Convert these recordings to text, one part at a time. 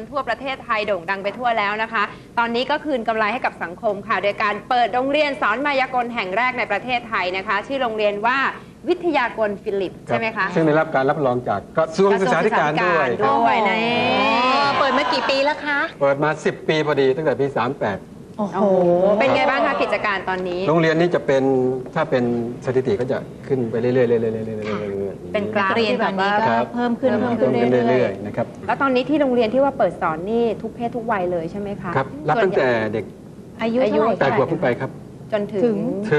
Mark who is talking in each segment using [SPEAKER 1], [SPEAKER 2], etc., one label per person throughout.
[SPEAKER 1] ทั่วประเทศไทยโด่งดังไปทั่วแล้วนะคะ ตอนนี้ก็คืนกำไรให้กับสังคมค่ะโดยการเปิดโรงเรียนสอนมายากลแห่งแรกในประเทศไทยนะคะชื่อโรงเรียนว่าวิทยากรฟิลิปใช่ไหมคะ
[SPEAKER 2] ซึ่งได้รับการรับรองจากกระทรวงศึกษาธิการด้วย
[SPEAKER 1] นะ
[SPEAKER 3] เปิดมากี่ปีแล้วคะ
[SPEAKER 2] เปิดมา10 ปีพอดีตั้งแต่ปี38
[SPEAKER 1] โอ้โหเป็นไงบ้างคะกิจการตอนนี้
[SPEAKER 2] โรงเรียนนี้จะเป็นถ้าเป็นสถิติก็จะขึ้นไปเรื่อยๆ
[SPEAKER 1] เป็นกราฟที่แบบว่าเพิ่มขึ้น
[SPEAKER 2] เรื่อยๆนะครับ
[SPEAKER 1] แล้วตอนนี้ที่โรงเรียนที่ว่าเปิดสอนนี่ทุกเพศทุกวัยเลยใช่ไหมคะ
[SPEAKER 2] ครับรับตั้งแต่เด็ก
[SPEAKER 1] อายุ
[SPEAKER 2] 8 ขวบขึ้นไปครับ
[SPEAKER 1] จนถึง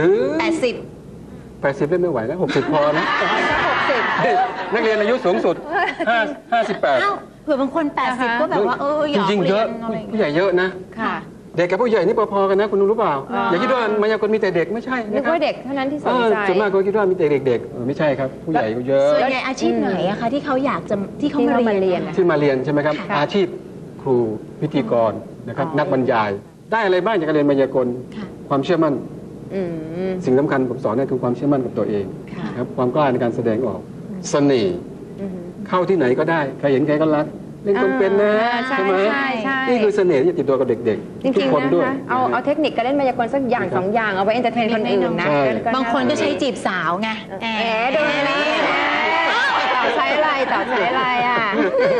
[SPEAKER 2] 80ไม่ไหวแล้ว60พอนะนักเรียนอายุสูงสุด58
[SPEAKER 3] เผื่อบางคน80ก็แบบว่า
[SPEAKER 2] จริงๆเยอะผู้ใหญ่เยอะนะเด็กกับผู้ใหญ่นี่พอๆกันนะคุณรู้เปล่าอย่าคิดว่ามายากลมีแต่เด็กไม่ใช่
[SPEAKER 1] นึกว่าเด็กเท่านั้นที่สนใจ
[SPEAKER 2] ส่วนมากก็คิดว่ามีแต่เด็กๆไม่ใช่ครับผู้ใหญ่ก็เยอะ
[SPEAKER 3] ส่วนใหญ่อาชีพไหนอะคะที่เขาอยากจะที่เขามาเรียน
[SPEAKER 2] ที่มาเรียนใช่ไหมครับอาชีพครูพิธีกรนะครับนักบรรยายได้อะไรบ้างจากการเรียนมายากลความเชื่อมั่นสิ่งสำคัญผมสอนนี่คือความเชื่อมั่นกับตัวเองครับความกล้าในการแสดงออกเสน่ห์เข้าที่ไหนก็ได้ใครเห็นใครก็รักเล่นคนเป็นนะใช่ไหมนี่คือเสน่ห์ที่จะติดตัวกับเด็กๆทุกคนด้วย
[SPEAKER 1] เอาเทคนิคการเล่นมายากลสักอย่าง2 อย่างเอาไว้เอนเตอร์เทนคนอื่นนะ
[SPEAKER 3] บางคนก็ใช้จีบสาวไง
[SPEAKER 1] ดูนี่ต่อใช้อะไรอ่ะ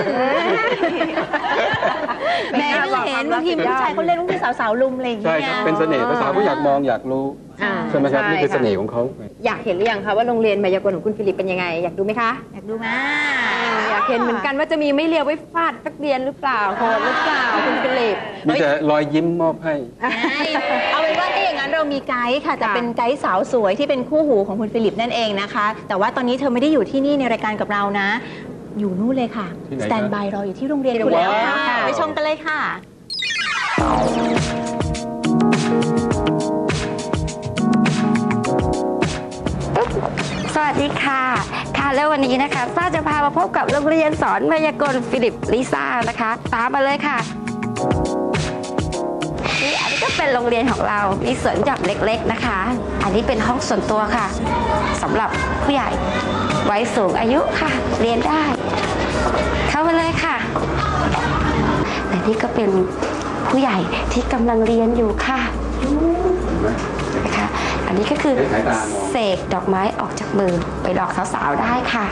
[SPEAKER 3] แม่เห็นบางทีผู้ชายเขาเล่นบางทีสาวๆลุมอะไรอย่างเงี้ย
[SPEAKER 2] ใช่ครับเป็นเสน่ห์ภาษาผู้อยากมองอยากรู้ใช่ไหมครับนี่คือเสน่ห์ของเขา
[SPEAKER 1] อยากเห็นหรือยังคะว่าโรงเรียนมายากลของคุณฟิลิปเป็นยังไงอยากดูไหมคะ
[SPEAKER 3] อยากดูนะ
[SPEAKER 1] อยากเห็นเหมือนกันว่าจะมีไม่เลียวไว้ฟาดนักเรียนหรือเปล่าโหดหรือเปล่าคุณฟิลิป
[SPEAKER 2] มีแต่รอยยิ้มมอบให้
[SPEAKER 3] เอาเป็นว่าถ้าอย่างนั้นเรามีไกด์ค่ะแต่เป็นไกด์สาวสวยที่เป็นคู่หูของคุณฟิลิปนั่นเองนะคะแต่ว่าตอนนี้เธอไม่ได้อยู่ที่นี่ในรายการกับเรานะอยู่นู่นเลยค่ะสแตนบายรออยู่ที่โรงเรียนคุณแล้วค่ะไปชมกันเลยค่ะ
[SPEAKER 4] สวัสดีค่ะแล้ววันนี้นะคะซ่าจะพามาพบกับโรงเรียนสอนมายากลฟิลิปลิซ่านะคะตามมาเลยค่ะนี่อันนี้ก็เป็นโรงเรียนของเรามีสวนหย่อมเล็กๆนะคะอันนี้เป็นห้องส่วนตัวค่ะสำหรับผู้ใหญ่วัยสูงอายุค่ะเรียนได้เข้ามาเลยค่ะและนี่ก็เป็นผู้ใหญ่ที่กำลังเรียนอยู่ค่ะนะคะอันนี้ก็คือเสกดอกไม้ออกจากมือไปหลอกสาวๆได้ค่ะ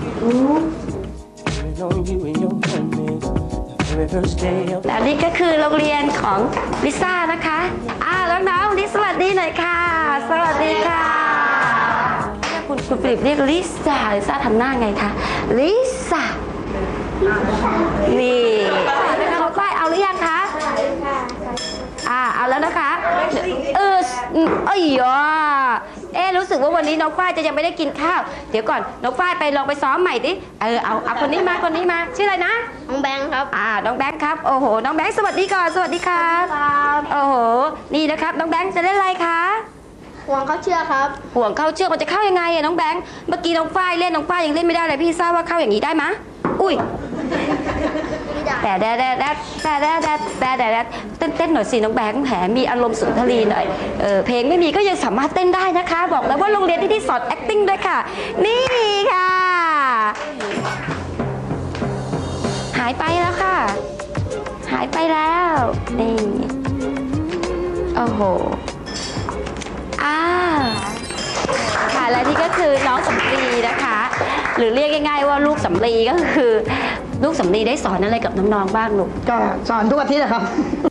[SPEAKER 4] และนี่ก็คือโรงเรียนของลิซ่านะคะน้องๆลิสวัสดีหน่อยค่ะสวัสดีค่ะคุณฟิลิปเรียกลิซ่าทำหน้าไงคะลิซ่านี่น้องฝ้ายเอาหรือยังคะเอาแล้วนะคะรู้สึกว่าวันนี้น้องฝ้ายจะยังไม่ได้กินข้าวเดี๋ยวก่อนน้องฝ้ายไปลองไปซ้อมใหม่ดิเอาคนนี้มาชื่ออะไรนะ
[SPEAKER 5] น้องแบงค์ครับ
[SPEAKER 4] น้องแบงค์ครับโอ้โหน้องแบงค์สวัสดีก่อนสวัสดีครับโอ้โหนี่นะครับน้องแบงค์จะเล่นอะไรคะ
[SPEAKER 5] ห่วงเข้าเชือกครับ
[SPEAKER 4] ห่วงเข้าเชือกมันจะเข้ายังไงน้องแบงค์เมื่อกี้น้องฝ้ายเล่นน้องฝ้ายยังเล่นไม่ได้เลยพี่ทราบว่าเข้าอย่างนี้ได้ไหมอุ้ยแต่เต้นหน่อยสิน้องแบงค์แถมมีอารมณ์สุนทรีหน่อยเพลงไม่มีก็ยังสามารถเต้นได้นะคะบอกแล้วว่าโรงเรียนที่สอน acting ด้วยค่ะนี่ค่ะหายไปแล้วค่ะหายไปแล้วนี่โอ้โหค่ะและนี่ก็คือน้องสำลีนะคะหรือเรียกง่ายๆว่าลูกสำลีก็คือลูกสำลีได้สอนอะไรกับน้องๆบ้างลูก
[SPEAKER 6] ก็สอนทุกอาทิตย์นะครับ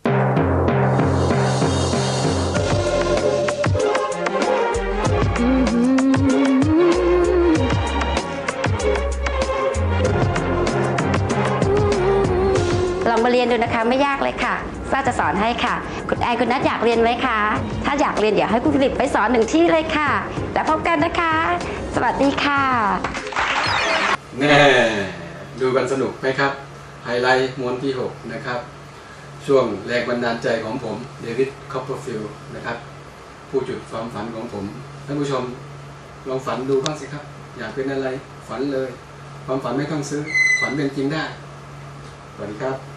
[SPEAKER 4] ลองมาเรียนดูนะคะไม่ยากเลยค่ะซ่าจะสอนให้ค่ะคุณแอนคุณนัทอยากเรียนไหมคะถ้าอยากเรียนเดี๋ยวให้คุณฟิลิปไปสอน1 ที่เลยค่ะแล้วพบกันนะคะสวัสดีค่ะ
[SPEAKER 2] แน่ดูกันสนุกไหมครับไฮไลท์ม้วนที่6นะครับช่วงแรงบันดาลใจของผมเดวิดคอปเปอร์ฟิลด์นะครับผู้จุดความฝันของผมท่านผู้ชมลองฝันดูบ้างสิครับอยากเป็นอะไรฝันเลยความฝันไม่ต้องซื้อฝันเป็นจริงได้สวัสดีครับ